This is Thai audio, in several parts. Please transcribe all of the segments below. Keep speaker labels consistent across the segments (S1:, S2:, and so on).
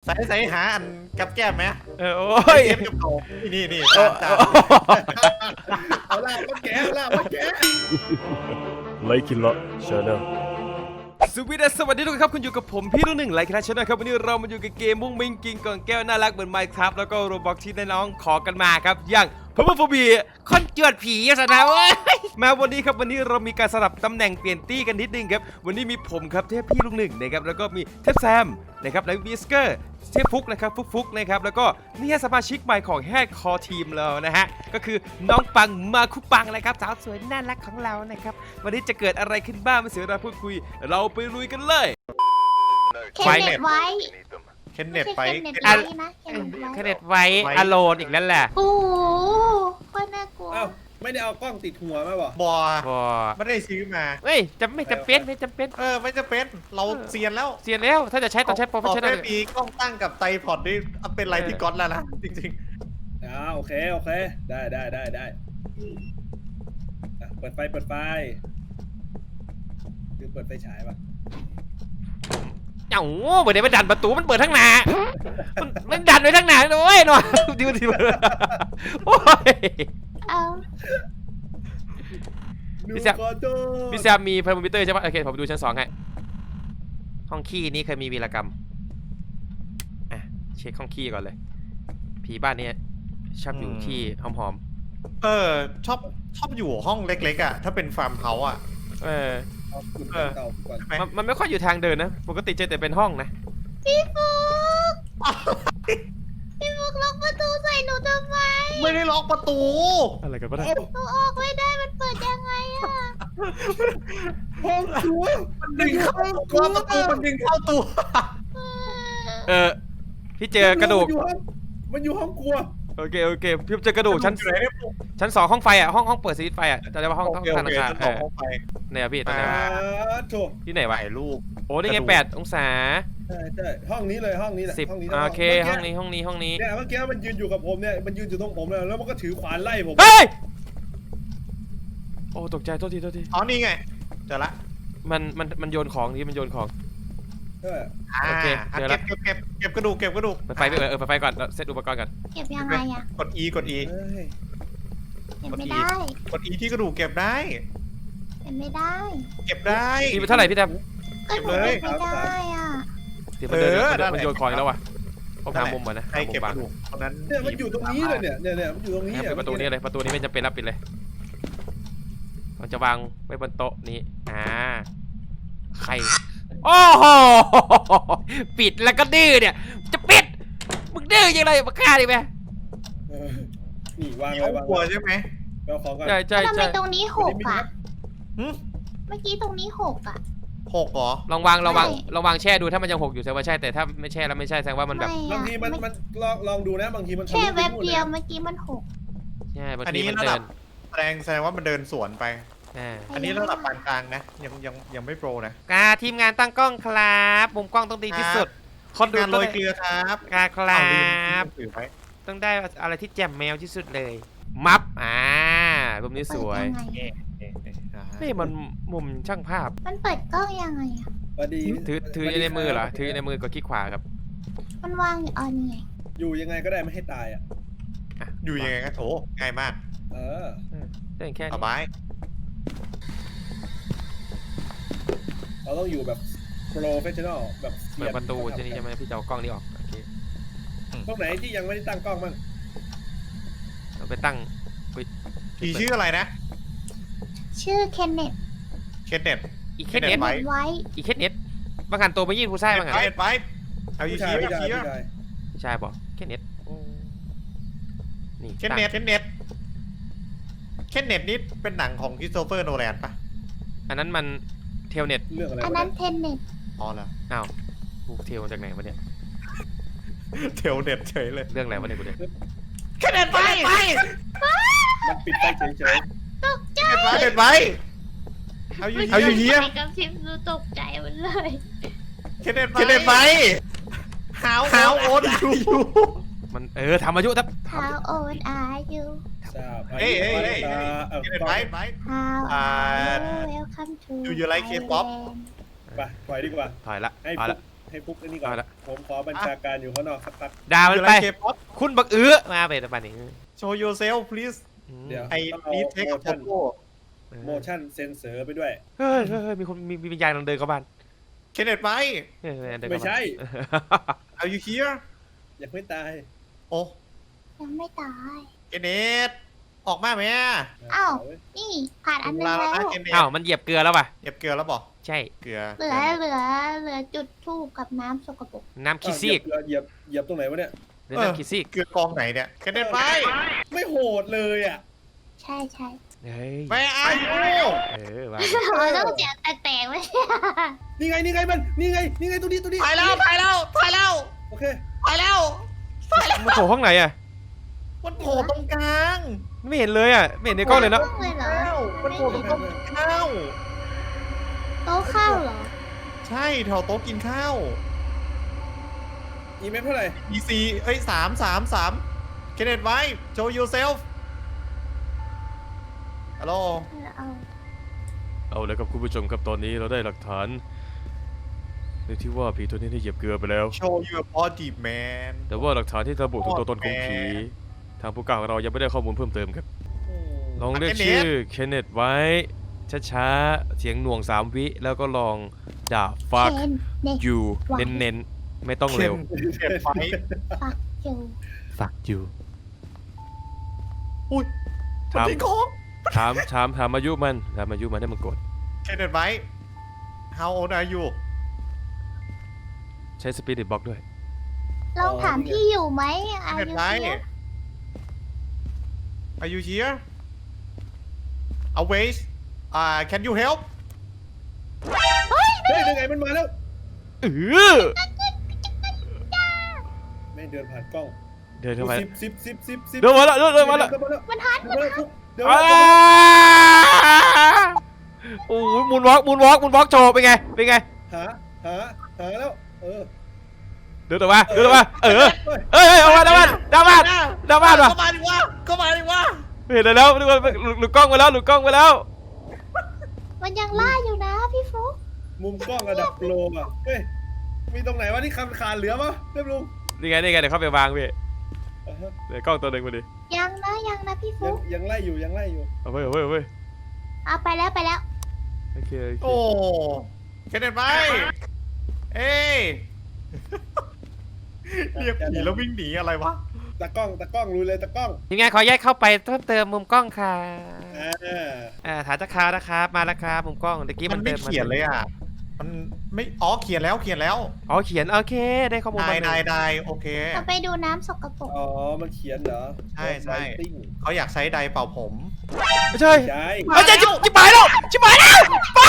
S1: ใส่หาอันกับแก้มไหม
S2: โอ้ย
S1: เทียบกับเขานี่จาน
S3: เอาลาบมาแกะเอาลาบมาแกะ
S4: ไลคินละชาแนล
S2: สวัสดีทุกคนครับคุณอยู่กับผมพี่รุ่นหนึ่งไลค์นะชนะครับวันนี้เรามาอยู่กับเกมมุ้งมิงกิงกล่องแก้วน่ารักเหมือน Minecraft แล้วก็โรบล็อกที่น้องขอกันมาครับอย่างพมฟบีคอนเจือดผีสนะเว้ยมาวันนี้ครับวันนี้เรามีการสลับตำแหน่งเปลี่ยนตี้กันนิดนึงครับวันนี้มีผมครับเทพพี่ลุงหนึ่งนะครับแล้วก็มีเทพแซมนะครับแล้ววิสเกอร์เทพฟุกนะครับฟุกนะครับแล้วก็นี่สมาชิกใหม่ของแฮกคอทีมเรานะฮะก็คือน้องปังมาคุปังนะครับสาวสวยน่ารักของเรานะครับวันนี้จะเกิดอะไรขึ้นบ้างไม่เสียเวลาพูดคุยเราไปลุยกันเลย
S5: เคนเน็ตไว้
S1: เคนเน็ตไป
S5: ไม่ใช่เคนเน็ตไว้นะเคนเน็ตไว้
S2: เน็ตไว้อโลนอีกแล้วแหละ
S5: โอ้โหก็น่ากลัว
S3: เอ้าไม่ได้เอากล้องติดหัวมาบ่
S1: บอ
S2: บอ
S1: ไม่ได้ซื้อมา
S2: เฮ้ยไม่จำเป็นไม่จำเป็น
S1: ไม่จะเป็นเราเซียนแล้ว
S2: เสียแล้วถ้าจะใช้ต้องใช้โปรเฟชชั่นอ
S1: ได้
S2: ล
S1: ปีกล้องตั้งกับไตรพอดนี่เป็นอะไรที่ก๊อตแล้วนะจริง
S3: โอเคได้เปิดไฟคือเปิดไฟฉายป่ะ
S2: เอ้าเปิดได้มันดันประตูมันเปิดทั้งหน้ามันดันไว้ทั้งหน้าเลยหน่อยดูโอ้ย
S5: เอา
S2: พี่แซม พี่แซมมีเพอร์โมมิเตอร์ใช่ปะโอเคผมดูชั้น2ให้ห้องขี้นี้เคยมีวีรกรรมอ่ะเช็คห้องขี้ก่อนเลยผีบ้านนี้ชอบอยู่ที่หอม
S1: ชอบอยู่ห้องเล็กๆอ่ะถ้าเป็นฟาร์มเฮาส์อ่ะ
S2: ๆ
S3: เอาขุดเก่าก่อน
S1: ใช่ไหม
S2: มันไม่ค่อยอยู่ทางเดินนะปกติเจอแต่เป็นห้องนะ
S5: พี่ฟุกล็อกประตูใส่หนูทำไม
S1: ไม่ได้ล็อกประตู
S2: อะไรกันวะเนี่ย
S5: หนูออกไม่ได้มันเปิดยังไงอะ
S3: ห้องครัว
S1: มันดึงเข้าตัวประตูมันดึงเข้าตัว
S2: พี่เจอกระดูก
S3: มันอยู่ห้องครัว
S2: โอเคพี่เจอกระดูกชั้น2ห้องไฟอ่ะห้องเปิดสวิตช์ไฟอ่ะจะเรียกว่าห้องธนาคาร
S1: ห้องไฟ
S2: เนี่ยพี่ตอนไหนวะ
S3: โถ
S2: ที่ไหนวะ
S1: ถ่ายรูป
S2: โอ้นี่ไง8 องศา
S3: ใช่ห้องนี้เลยห้องนี้แหละ
S2: 10
S3: ห้องนี้
S2: โอเคห้องนี้
S3: เนี่ยเมื่อกี้มันยืนอยู่กับผมเนี่ยมันยืนอยู่ตรงผมแล้วมันก็ถือขวานไล่ผม
S2: เฮ้ยโอ้ตกใจโทษที
S1: อ๋อนี่ไงเจอละ
S2: มันโยนของที่มันโยนของ โอเคเจอละ
S1: เก็บกระดูก
S2: เปิดไฟไปเปิดไฟก่อนเซตอุปกรณ์ก่อน
S5: เก็บยังไงอะ
S1: กด E
S5: เก็บไม่ได้
S1: กด E ที่กระดูกเก็บได้
S5: เก็บไม่ได้
S1: เก็บได้
S2: ทีเป็นเท่าไหร่พี่แทบ
S5: ก็หนูเก็บไม่ได้อะ
S2: ทีมันเดินมันโยนของแล้ววะต้องหามุมก่อนนะ
S1: ใครเก็บกระดูกตอนนั้น
S3: เนี่ยมันอยู่ตรงนี้เลยเนี่ยมันอยู่ตรงนี้
S2: ปิดประตูนี้เลยประตูนี้ไม่จำเป็นรับปิดเลยมันจะวางไว้บนโต๊ะนี้ใครโอ้โหปิดแล้วก็ดื้อเนี่ยจะปิดมึงดื้อยังไงมาฆ่าดิแม่
S3: นี่วาง
S1: มี
S3: ไว้
S1: ห้องครัวใช่ไหม
S3: เอาของก่อน
S2: ใช่
S5: ทำไมตรงนี้หกอะ
S1: หึ
S5: เมื่อกี้ตรงนี้หกอะ
S1: หกเหรอ
S2: ลองวางแช่ดูถ้ามันยังหกอยู่แสดงว่าใช่แต่ถ้าไม่แช่แล้วไม่ใช่แสดงว่ามันแบบ
S3: บางทีมันลองดูนะบางทีมัน
S5: แค่แวบเดียวเมื่อกี้มันหก
S2: ใช่บาง
S1: อัน
S2: ที
S1: นี้
S2: มัน
S1: ระ
S2: เดิ
S1: ดับ
S2: น
S1: แสดงว่ามันเดินสวนไป
S2: อ่า
S1: อันนี้ระดับปานกลางนะยังไม่โปรนะ
S2: ทีมงานตั้งกล้องครับมุมกล้องต้องดีที่สุดคนดู
S1: งานโรยเกลือครับ
S2: ครับ
S1: ถือไว้
S2: ต้องได้อะไรที่แจ่มแมวที่สุดเลย มัฟมุมนี้สวย
S5: เปิดยังไง
S2: นี่มันมุมช่างภาพ
S5: มันเปิดกล้องยังไงอะ
S3: พอดี
S2: ถือในมือเหรอถือในมือก็คลิกขวาครับ
S5: มันวางอยู่นี่ไง
S3: อยู่ยังไงก็ได้ไม่ให้ตายอ่ะ
S1: อยู่ยังไงก็โถง่ายมาก
S2: ได้แค่
S1: ส
S2: นี้
S1: บาย
S3: เราต้องอยู่แบบโปรเฟชชั่นอลแบบ
S2: เปิดประตูที่นี่ใช่ไหมพี่จะเอากล้องนี้ออกโอเค
S3: ตรงไหนที่ยังไม่ได้ตั้งกล้องมั่ง
S2: เราไปตั้ง
S1: ผีชื่ออะไรนะ
S5: ชื่อเคนเน็ต
S1: เคนเน็ต
S2: อีเคสเน็ต
S5: ไว้
S2: อีเคสเน็ตบางหันตัวไปยื่นผู้ชายบางหัน
S1: ไปเอาอยู่ชี้
S3: ผู้ชาย
S2: ผู้ชายบอกเคสเน็ตนี่
S1: เคนเน็ตนี่เป็นหนังของคริสโตเฟอร์โนแลนปะ
S2: อันนั้นมันเทลเน็ต
S3: เรื่องอะไร
S5: อันนั้นเทนเน็ต
S1: อ๋อเหรอ
S2: อ้าวกูเทลมาจากไหนวะเนี่ย
S1: เทลเน็ตเฉยเลย
S2: เรื่องอะไรวะเนี่ยกูเนี่ย
S1: เคนเน็ตไป
S3: มันปิดไฟเฉย
S5: ตกใจ
S1: เคนเน็ตไปเอาอยู่เฮีย
S5: กับพิมพ์ดูตกใจหมดเลย
S1: เคนเน็ตไปหาวโอ๊ตอยู่
S2: มันทำอายุทับ
S5: How old are you
S3: ๆทราบ
S1: เฮ้ย
S3: เ
S1: เคนเน็ตไป
S5: How are you Welcome to
S1: Do you like K-pop?
S5: Thailand
S3: ไปถอยดีกว่า
S2: ถอยละ
S3: ให้
S2: ถอย
S3: ฟุ
S2: ละ
S3: กให้ปุ๊กไอ้นี่ก่อน
S2: เอาละ
S3: ผมขอบัญชาการอยู่ข้างนอกสักพัก
S2: ด่ามัน
S1: อยู่
S2: ไป
S1: ไรเคป๊อป
S2: คุณบักมาไปแต่ปานนี้
S1: show yourself please
S3: เดี๋ยว
S1: ไอ้
S3: ต้องเอา
S1: นี่เทคกับโโก้
S3: motion sensor ไปด้วย
S2: เฮ้ยมีคนมีวิญญาณกำลังเดินเข้าบ้าน
S1: เคนเนตไหม
S2: เดินเข้าบ้าน
S3: ไม่ใช่
S1: Are you here
S3: ยังไม่ตาย
S1: โอ้
S5: ยังไม่ตาย
S1: เคนเนตออกมาไหม
S5: อ้าว นี่ผ่านอันนึง
S1: ลา
S5: แล้ว
S1: นะเคนเนต
S2: อ้าวมันเหยียบเกลือแล้วป่ะ
S1: เก็บเกลือแล้วบอก
S2: ใช่
S1: เกลือ
S5: เหลือจุดทูบกับน้ำสกปรก
S2: น้ำขี้ซีก
S3: เหยียบตรงไหนวะเนี่ย
S2: เดินน้ำขี้ซีก
S1: เกลือกองไหนเนี่ยเคนเนตไหม
S3: ไม่โหดเลยอ่ะ
S5: ใช่ใช่
S2: เฮ้ย
S1: ไม่อายุ
S2: ว่า
S5: เราต้องเสียงแตกๆไว้
S3: นี่ไงมันนี่ไงตัวนี้
S1: ถ่ายแล้ว
S3: โอเค
S2: มันโผล่ห้องไหนอ่ะ
S1: มันโผล่ตรงกลาง
S2: ไม่เห็นเลยอ่ะไม่เห็นในกล้องเลยเนาะ
S5: เลยเหรอ
S1: มันโผล่ตรงโต๊ะกินข้าว
S5: โต๊ะข้าวเหรอ
S1: ใช่แถวโต๊ะกินข้าว
S3: อีเมลเท่าไหร่
S1: EC เอ้ย3เคนเนตไว้ show yourself ฮัลโหล
S5: เอา
S4: เอาเลยครับคุณผู้ชมครับตอนนี้เราได้หลักฐานในที่ว่าผีตัวนี้ได้เหยียบเกลือไปแล้ว
S1: show your body man
S4: แต่ว่าหลักฐานที่ระบุถึงตัวตนของผีทางผู้กลางเรายังไม่ได้ข้อมูลเพิ่มเติมครับลองเรียกชื่อเคนเนตไว้ช้าๆเสียงหน่วง3 วิแล้วก็ลองด่า fuck
S5: เคนเน็ต
S4: you เน้นๆไม่ต้องเร็ว
S1: เก็บไฟ
S5: ฟักจู
S4: fuck you
S1: อุ้ย
S4: ถาม
S1: มันทิ้งของ
S4: ถามอายุมันให้มันกด
S1: เคนเนตไว้ how old are you
S4: ใช้สปีดบล็อกด้วย
S5: ลองถามพี่อยู่ไหม
S1: เคน
S5: อา
S1: เนต
S5: ยุ
S1: ไว้
S5: เยอะ
S1: are you here always can you help
S3: เฮ้ยยังไงมันมาแล้ว
S2: เออ
S3: ไม่เดินผ่านกล้อง
S4: เดินเข้าไป
S3: สิบ
S2: เดินมาแล้วเดินมาแล้ว
S5: มันฮัท
S3: เดินมาแล้วเดี๋ยว
S2: โอ้ยมูนวอล์กโชว์เป็นไง
S3: หาแล้ว
S2: เดินออกมาเฮ้ยออกมาดาบ้านว่ะ
S1: เข้ามาดิวะ
S2: เห็นแล้วหลุดกล้องไปแล้ว
S5: มันยังล่าอยู่นะพี่ฟุ๊ก
S3: มุมกล้องระดับโปรอ่ะเฮ้ยมีตรงไหนวะที่ขาดเหลือปะเรียบลุง
S2: นี่ไงเดี๋ยวเข้าไปวางพี่เดี๋ยวกล้องตัวหนึ่งมาดิ
S5: ยังนะพี่ฟุ๊ก
S3: ยังไล่อยู่
S2: เอาไป
S5: เอาไปแล้ว
S2: โอเค
S1: โอ้เคนเนตไว้เอ้ยเรียกผีแล้ววิ่งหนีอะไรวะ
S3: ตากล้องรู้เลยตากล้อง
S2: ยังไงขอแยกเข้าไปเพิ่มเติมมุมกล้องค่ะ
S3: อ่า
S2: ฐานตะคานะครับมาแล้วครับมุมกล้องเมื่อกี้
S1: มันไม่เขียนเลยอ่ะ มันไม่อ๋อเขียนแล้ว
S2: อ๋อเขียนโอเคได้ข้อมูลมา
S1: ได้โอเค
S5: เราไปดูน้ำสกปรก
S3: อ๋อมันเขียนเหรอ
S1: ใช่
S3: ติ้ง
S1: เขาอยากใช้ไดร์เป่าผม
S2: ไม่ใช่
S3: ใช่
S2: ไม่ใช่จิบหายแล้วไป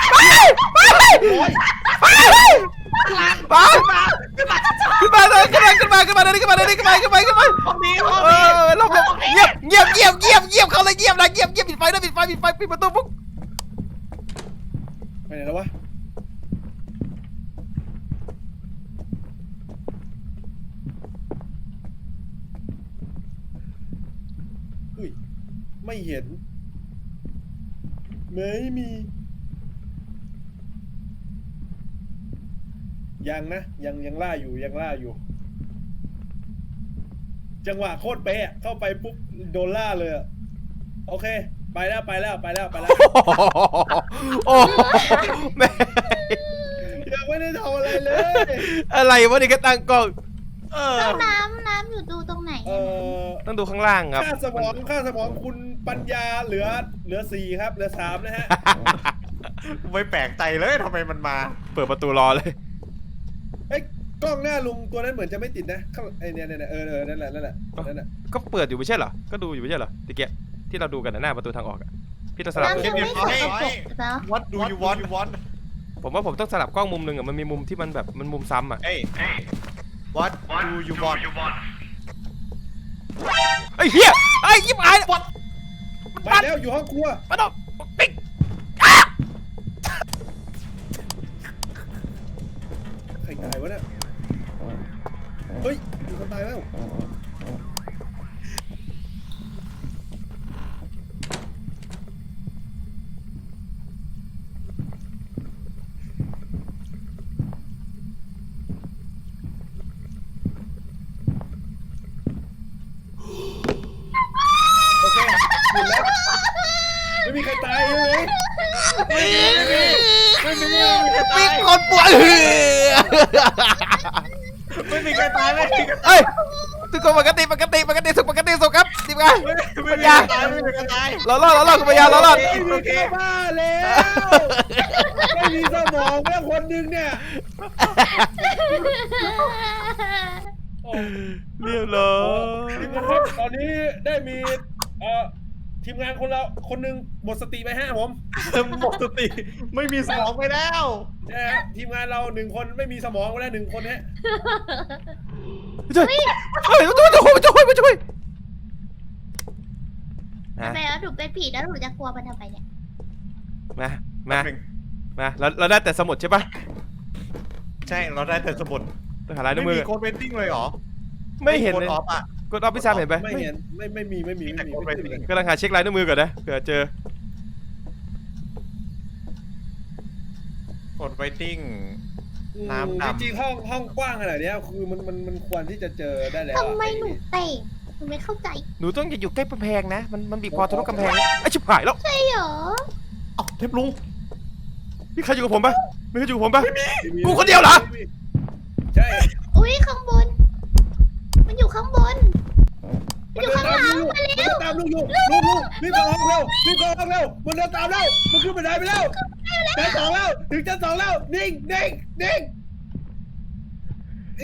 S2: ขึ้นมาเลยขึ้นมาเราเงียบเขาเลยเงียบปิดไฟปิดประตูปุ๊บ
S3: ไปไหนแล้ววะอุ้ยไม่เห็นไม่มียังนะยังล่าอยู่จังหวะโคตรเป๊ะเข้าไปปุ๊บโดนล่าเลยอะโอเคไปแล้ว
S2: โอ้แม่
S3: ยังไม่ได้ทำอะไรเลย
S2: อะไรวะนี่ก็ตั้งกล้อง
S5: แล้วน้ำอยู่ดูตรงไหน
S2: ต้องดูข้างล่างครับ
S3: ค่าสมองคุณปัญญาเหลือ4ครับเหลือ3นะฮะ
S1: ไม่แปลกใจเลยทำไมมันมา
S2: เปิดประตูรอเลย
S3: เอ้ยกล้องหน้าลุงตัวนั้นเหมือนจะไม่ติดนะข้างไอเนี่ยนั่นแหละ
S2: ก็เปิดอยู่ไม่ใช่เหรอก็ดูอยู่ไม่ใช่เหรอตะเกียที่เราดูกันหน้าประตูทางออกอะพี่ต้องสลับ
S5: น้ำยังไม่สกปรกเหรอ
S1: What do you want
S2: ผมว่าผมต้องสลับกล้องมุมหนึ่งอะมันมีมุมที่มันแบบมันมุมซ้ำอะ
S1: เอ้ย What do you want
S2: ไอ้เหี้ยไอ้ยิบหาย
S3: ไปแล้วอยู่ห้องครัว
S2: มาดอกปิ๊ก
S3: ใครตายวะเนี่ยเฮ้ยมีคนตายแล้ว
S2: มีคนป่วย
S1: ไม่มีใครตายไม่มีใครตาย
S2: เอ้ยทุกคนปกติสุขครับทีมงาน
S1: ไม่มีใครตายไม่มีใครตาย
S2: เรารอดคุณปัญญาเรารอด
S3: ไม่มีใครบ้าแล้วไม่มีสมองแล้วคนหนึงเนี่ยโอ้
S2: เรียบร้อย
S3: ทีมงานครับตอนนี้ได้มีทีมงานคนหนึ่งหมดสติไป5ผม
S1: หมดสติไม่มีสมองไปแล้ว
S3: นะฮะทีมงานเรา1คนไม่มีสมองไปแล้ว1คนฮะ
S2: ช่วยมาช่วย
S5: ทำไมแล้วหนูเป็นผีแล้วหนูจะกลัวมันทำไมเนี่ย
S2: มาเราได้แต่สมุดใช่ปะ
S1: ใช่เราได้แต่สมุด
S2: ต้องหาลายนิ้
S1: ไม่
S2: วมือ
S1: มีโค้ดเวนติ้งเลยเหรอ
S2: ไม่เห็น
S1: โค้ด
S2: เลย
S1: ออฟอ่ะ
S2: กดออฟพี่ชามเห็นไป
S3: ไม่เห็นไม่มี
S1: แต่โค้ดเวนติ้ง
S2: กำลังหาเช็คลายนิ้วมือก่อนนะเผื่อเจอ
S1: โค้ดเวนติ้ง น้ำดำ
S3: จริงๆห้องกว้างขนาดเนี้ยคือมันควรที่จะเจอได้แล้ว
S5: ทำไมหนูเตะหนูไม่เข้าใจ
S2: หนูต้องอยู่ใกล้กำแพงนะมันบีบคอทะลุกำแพงไอ้ชิบหายแล้ว
S5: ใช่เหรอ
S1: เอ้าเทพลุง
S2: มีใครอยู่กับผมปะมีใครอยู่กับผมปะ กูคนเดียวเหรอ
S3: ใช่
S5: อุ้ยข้างบน มันอยู่ข้างบน มันอยู่ข้างหลังมา
S3: มัน
S5: เร็ว
S3: ตามลูกอยู่ลูกรีบเข้าห้องเร็วมันเดินตามแล้วมันขึ้นบันไดไปแล้วชั้น2แล้วถึงชั้น2แล้วนิ่งอี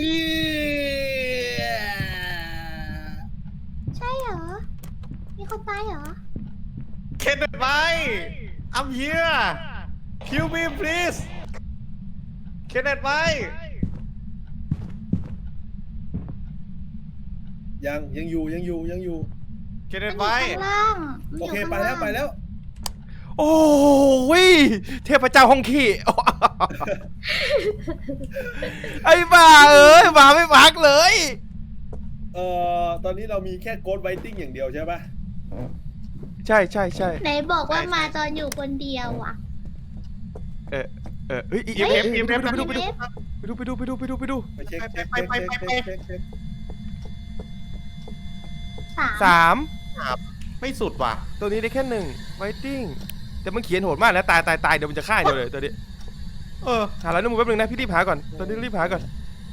S5: ใช่เหรอ มีคนตายเหรอ
S1: เคนไว้ I'm here kill me please เคนไว้
S3: ยังอยู่
S1: เคน
S5: มันอยู่
S1: ไว้
S5: ข้างล่างมัน
S3: โอ
S5: อยู่
S3: เค
S5: ข้าง
S3: ไป
S5: ล่าง
S3: แล้ว
S2: โอ้ยเทพเจ้าห้องขี้ ไอ้บ้าเอ้ยมาไม่พักเลย
S3: ตอนนี้เรามีแค่โกดไวติ้งอย่างเดียวใช่ปะ
S2: ใช่
S5: ไหนบอกว่ามาตอนอยู่คนเดียวอ่ะ
S2: เฮ้ย
S1: เอ็มเอ็ม
S2: ไปดู
S3: ไปเช็ค
S5: สาม
S2: 3
S1: ไม่สุดว่ะ
S2: ตัวนี้ได้แค่1 waiting แต่มันเขียนโหดมากนะตายเดี๋ยวมันจะฆ่าเดียวเลยตัวนี้
S1: เออ
S2: หาแล้วนึงแป๊บนึงนะพี่รีบหาก่อนตัวนี้รีบหาก่อน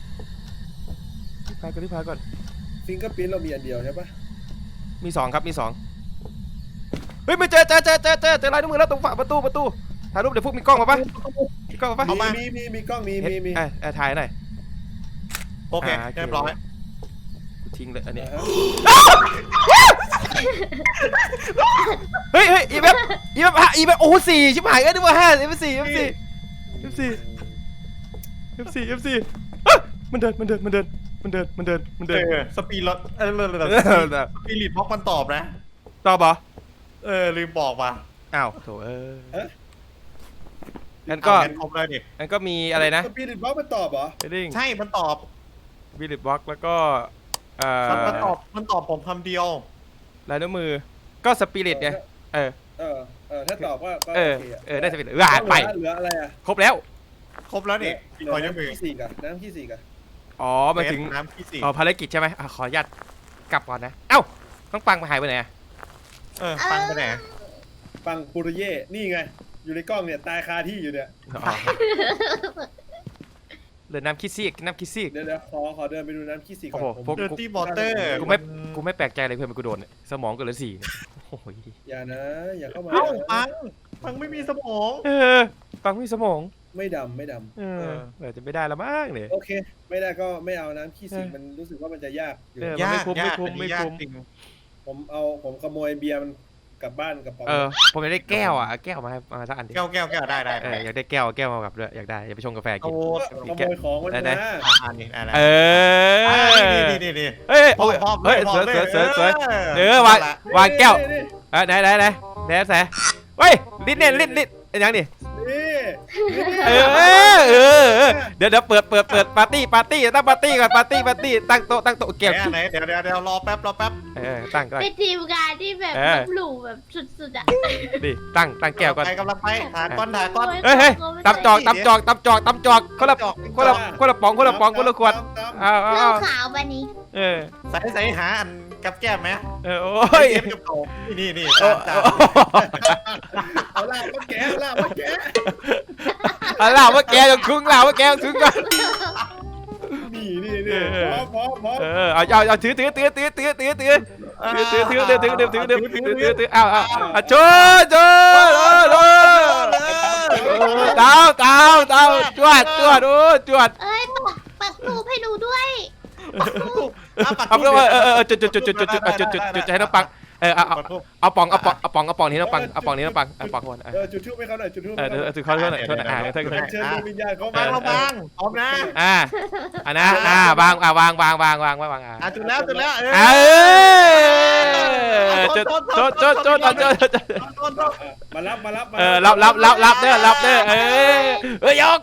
S2: รีบหาก่อน
S3: ฟิงเกอร์พิ้นเรามีอันเดียวใช่ปะ
S2: มี2ครับมี2เฮ้ยไม่เจอลายนิ้วมือแล้วตรงฝาประตูถ่ายรูปเดี๋ยวพวกมีกล้องมาปะมีกล้องมาปะ
S3: มีกล้องมี
S2: ถ่ายหน่อย
S1: โอเคเรียบร้อย
S2: ทิ้งเลยอันนี้
S3: อ่าฮะ
S2: เฮ้ยอีแบบโอ้4ชิบหายนึกว่า5 F4 มันเดิน
S1: สปีดรถสปีริตบล็อกมันตอบนะ
S2: ตอบเหรอ
S1: ลืมบอกว่ะ
S2: อ้าวโถงั้นก็
S1: ครบเลยดิ
S2: งั้นก็มีอะไรนะ
S3: สปีริตบล็อกมันตอบเหรอ
S2: heading
S1: ใช่มันตอบ
S2: Spirit Box แล้วก็
S1: มันตอบผมคำเดียว
S2: ลายนิ้วมือก็สปิริตไง
S3: ถ้าตอบก็โอเค
S2: ได้สปิริตไป
S3: เหลืออะไรอ่ะ
S2: ครบแล้ว
S1: ครบแล้วนี่ขอยังมี
S3: น้ำขี้สี่กัน
S2: อ๋อมาถึง
S1: น้ำที่สี่
S2: ภารกิจใช่ไหมขออนุญาตกลับก่อนนะเอ้าต้องปังมาหายไปไหน
S1: ฟังไปไหน
S3: ปังปุริเย่นี่ไงอยู่ในกล้องเนี่ยตายคาที่อยู่เนี่ย
S2: เหลือน้ำคิดซีก
S3: เดี๋ยวขอเดินไปดูน้ำขี้สี่ก่อน
S2: โอ้โหพวก
S1: เดอร์ตี้วอเตอร์
S2: กูไม่แปลกใจเลยเพื่อนกูโดนเนี่ยสมองเกินละ4เนี่ยโอ้ย
S3: อย่าเข้ามา
S1: เอ้าฟังไม่มีสมอง
S2: ปังมีสมอง
S3: ไม่ดำ
S2: อาจจะไม่ได้ละมั้งเนี่ย
S3: โอเค ไม่ได้ก็ไม่เอาน้ำขี้สี่มันรู้สึกว่ามันจะยากอยู่
S2: ยาก
S1: ไม่คุ้มจริง
S3: ผมขโมยเบียร์มันกลับบ้านกับป๋อง
S2: ผมอยากได้แก้วแก้วมาให้มาสักอันดิ
S1: แก้วได้
S2: อยากได้แก้วมากับด้วยอยากได้อยากไปชงกาแฟกิน
S3: ขโมยของมัน
S2: ได้
S3: มา
S1: อันนี้อะไร นี่
S2: เฮ้ย
S1: พอ
S2: เฮ้ยสวยวางแก้วไหนแสเฮ้ยลิ้นเนี่ยลิ้นยังดิ
S3: นี่
S2: เดี๋ยวเปิดปาร์ตี้ตั้งปาร์ตี้ก่อนปาร์ตี้ตั้งโต๊ะแก้ว
S1: ไหนเดี๋ยวรอแป๊บ
S2: ตั้ง
S5: เป็นทีมงานที่แบบลบหลู่แบบสุดๆอ่ะ
S2: ดิตั้งแก้วก่อน
S1: ไปกำลังไปถ่ายก้อน
S2: เฮ้ยตำจอกคนละป๋องคนละขวดเอา
S5: เหล้าขาวปะนี้
S1: ใส่หาอันกับแก้มไหม
S2: โอ้ย
S1: เกมกับโกนี่จาน
S3: เอาล่ะมาแกะเอาล่ะมาแกะ
S2: เอาล่ะว่าแกต้องถึงก่อน
S3: นี่พร้อม
S2: เอาถือเอาโชว์เตาจวดโอ้จวด
S5: เอ้ยปักทูบให้หนูด้วย
S2: เอาเพื่อจุดให้น้องปังเอาปองนี้น้องปังเอาปองก่อน
S3: จุดทูบให้เขาหน่อยจุดทูบ
S2: ถือเขาด้วยโทษนะ
S3: เชิญดวงวิญญาณเขา
S1: บางเราบางพร้อมนะ
S2: อันนะวาง
S1: จุดแล้ว
S3: มารับ
S2: รับเด้อยก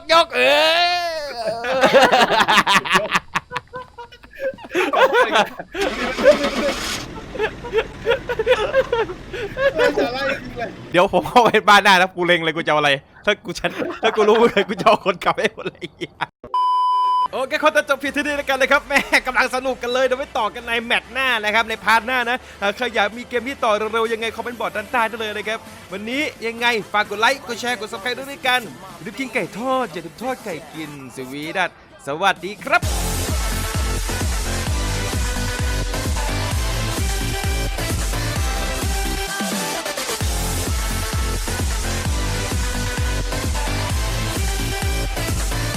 S2: เดี๋ยวผมเข้าไปบ้านหน้าแล้วกูเล็งเลยกูจะเอาอะไรถ้ากูรู้เลยกูจะเอาคนกลับให้หมดเลยโอเคคนจะจบเพียงเท่านี้แล้วกันนะครับแม่กำลังสนุกกันเลยเดี๋ยวไปต่อกันในแมตช์หน้านะครับในพาร์ทหน้านะใครอยากมีเกมที่ต่อเร็วๆยังไงคอมเมนต์บอร์ดด้านใต้ได้เลยนะครับวันนี้ยังไงฝากกดไลค์กดแชร์กดซับสไครต์ด้วยกันรีบกินไก่ทอดอย่าลืมทอดไก่กินสวีดัสสวัสดีครับ